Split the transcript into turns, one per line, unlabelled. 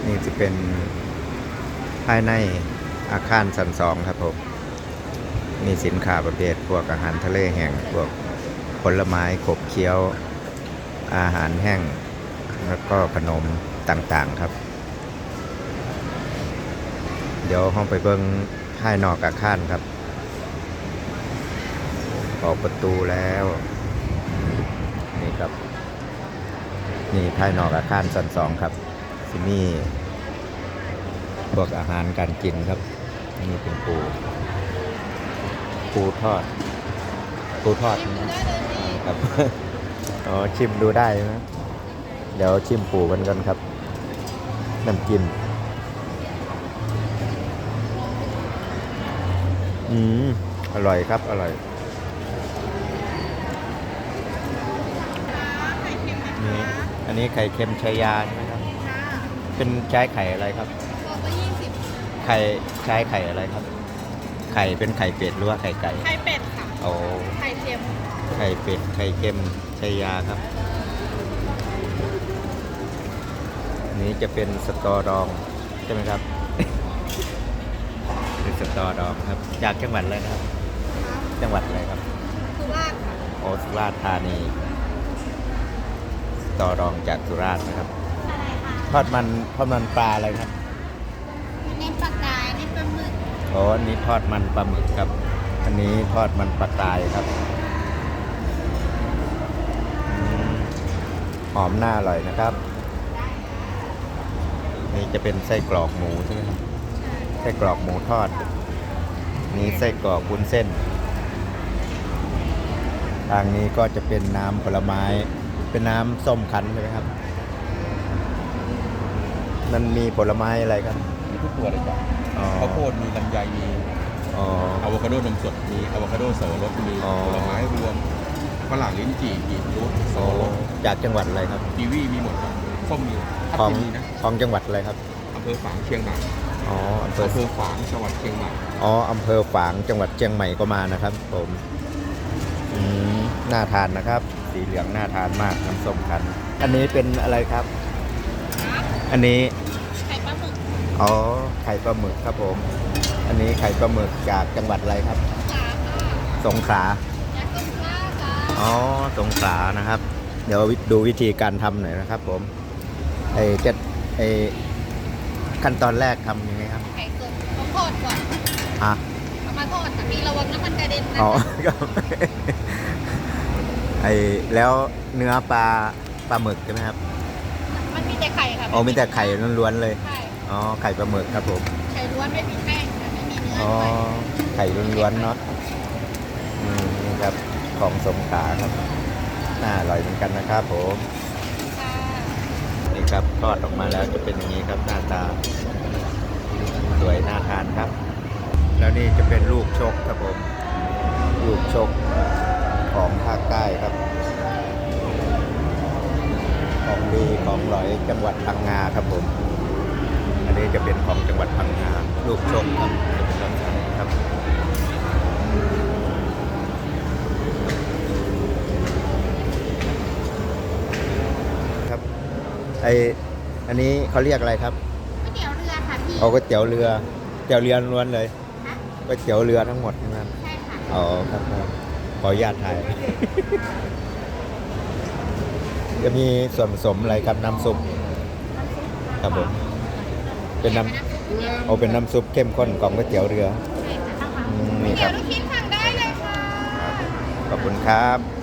นี่จะเป็นภายในอาคารชั้น 2ครับผมมีสินค้าประเภทพวกอาหารทะเลแห้งพวกผลไม้ขบเคี้ยวอาหารแห้งแล้วก็ขนมต่างๆครับเดี๋ยวห้องไปเบิ่งภายนอกอาคารครับออกประตูแล้วนี่ครับนี่ภายนอกอาคารชั้น 2ครับที่นี่พวกอาหารการกินครับนี่เป็นปูทอดนะครับ อ๋อชิมดูได้นะเดี๋ยวชิมปูกันกันครับน้ำจิ้มอร่อยครับอร่อยนี่อันนี้ไข่เค็มชายาใช่ไหมครับเป็นใช้ไข่อะไรครับไข่ใช้ไข่อะไรครับไข่เป็นไข่เป็ดหรือว่าไข่ไก่
ไข่เป็ดค่ะ
โอ้
ไข่เค็ม
ไข่เป็ดไข่เค็มชายาครับนี้จะเป็นสตอดองใช่ไหมครับ เป็นสตอดองครับจากจังหวัดอะไรนะครับจังหวัดอะไรครับ
สุราษฎร์ค่ะ
โอสุราษฎร์ธานีสตอดองจากสุราษฎร์นะครับทอดมันปลาอะไรครับ
เน้นปลากายเน้นปลาหมึก
อ๋ออันนี้ทอดมันปลาหมึกครับอันนี้ทอดมันปลากายครับหอมน่าอร่อยนะครับนี่จะเป็นไส้กรอกหมูใช่ไหมครับไส้กรอกหมูทอดนี้ไส้กรอกวุ้นเส้นทางนี้ก็จะเป็นน้ำผลไม้เป็นน้ำส้มคั้นใช่ไหมครับมันมีผลไม้อะไรครับ
มีทุกตัวเลยจ้ะข้าวโพดมีลำไยมีอะโวคาโดนมสดมีอะโวคาโดเสาวรสมีผลไม้รวมฝรั่งลิ้นจี่กีบรูทโซรส
จากจังหวัดอะไรครับ
กีวีมีหมดครับส้มมี
ของจังหวัดอะไรครับ
อำเภอฝางเชียงใหม่
อำเภอ
ฝางจังหวัดเชียงใหม่
อำเภอฝางจังหวัดเชียงใหม่ก็มานะครับผมน่าทานนะครับสีเหลืองน่าทานมากน้ำส้มคั้นอันนี้เป็นอะไรครับอันนี้
ไข่ปลาหมึก
ไข่ปลาหมึกครับผมอันนี้ไข่ปลาหมึกจากจังหวัดอะไรครับสงขลาสงขลานะครับเดี๋ยวดูวิธีการทำหน่อยนะครับผมขั้นตอนแรกทำยังไงครับ
ไข่สดต้องทอดก่อน
เอา
มาทอดมีระวังน้ำมันกระเด็นนะ
แล้วเนื้อปลาหมึกใช่ไหมครับ
มันมีแต่ไข่ค่ะ
มีแต่ไข่ล้วนๆเลย
ใช่
ไข่ปลาหมึกครับผม
ไข่ล้วนไม่มีแป้งไม่มีเนื้อ
ไข่ล้วนๆเนาะนี่ครับของสงขลาครับน่าอร่อยเหมือนกันนะครับผมนี่ครับทอดออกมาแล้วจะเป็นอย่างนี้ครับหน้าตาสวยน่าทานครับแล้วนี่จะเป็นลูกชกครับผมลูกชกของภาคใต้ครับของดีของหลอยจังหวัดพังงาครับผมอันนี้จะเป็นของจังหวัดพังงาลูกชกครับจะเป็นลักษณะนี้ครับอันนี้เขาเรียกอะไรครับ
ก๋วยเตี๋ยวเรือค่ะพี่
ก๋วยเตี๋ยวเรือล้วนเลยก๋วยเตี๋ยวเรือทั้งหมดนะครับ
ใช่ค่ะ
ครับขออนุญาตถ่าย จะมีส่วนผสมอะไรครับน้ำซุปครับผมเป็นน้ำซุปเข้มข้นของก๋วยเตี๋ยวเรือ
นี่ครับลูกชิ้นสั่งได้เลยค่ะ
ขอบคุณครับ